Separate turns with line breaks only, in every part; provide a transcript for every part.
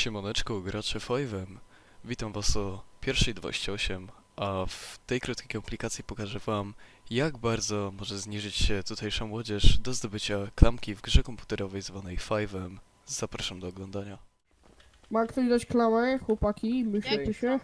Siemaneczko, gracze Five'em. Witam was o 1:28, a w tej krótkiej komplikacji pokażę wam, jak bardzo może zniżyć się tutejsza młodzież do zdobycia klamki w grze komputerowej zwanej Five'em. Zapraszam do oglądania.
Ma ktoś dać klamę, chłopaki? Myślcie się.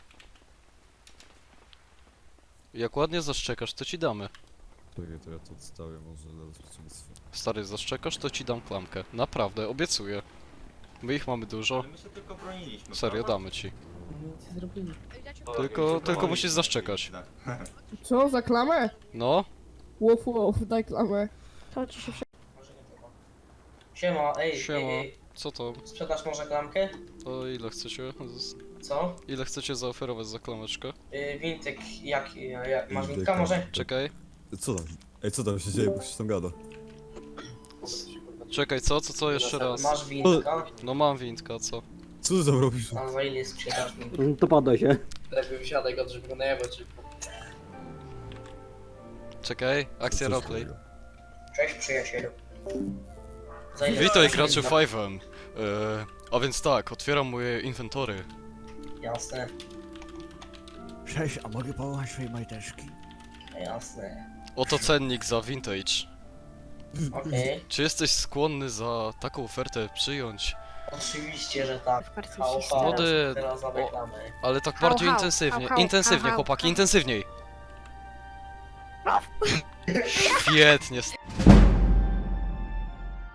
Jak ładnie zaszczekasz, to ci damy.
Czekaj, to ja to odstawię może dla bezpieczeństwa.
Stary, zaszczekasz, to ci dam klamkę. Naprawdę, obiecuję. My ich mamy dużo.
Ale my się tylko broniliśmy.
Serio,
prawda?
damy ci.
Nic zrobili.
Tylko musisz zaszczekać.
Co, za klamę?
No,
Łof, daj klamę.
To ci się
Siema,
siema.
ej,
Co to?
sprzedasz może klamkę?
To ile chcecie?
Co?
Ile chcecie zaoferować za klameczkę?
Wintyk, masz
Wintyka.
wintka może?
Czekaj.
Co tam? Ej, co tam się dzieje, bo się tam gada?
Czekaj, co jeszcze raz?
Masz wintka?
No mam windka, co?
Co ty tam robisz?
A za ile sprzedasz wintka?
To poddaj się.
Lepiej wysiadaj go, żeby go najebać.
Czekaj, akcja
Co
roleplay.
takiego?
Cześć przyjacielu. Za ile
Witaj
sprzedasz
graczu
wintka?
Five'em. A więc tak, otwieram moje inwentory.
Jasne,
Cześć, a mogę połamać swoje majteczki?
jasne.
Oto cennik za vintage.
Okej,
Czy jesteś skłonny za taką ofertę przyjąć?
oczywiście, że tak.
w kartce
Hał,
się
hał,
Młody,
teraz za
o-
reklamę.
Ale tak
Hał,
bardziej
hał,
intensywnie.
hał,
Intensywnie,
hał,
chłopaki,
hał.
intensywniej. Świetnie.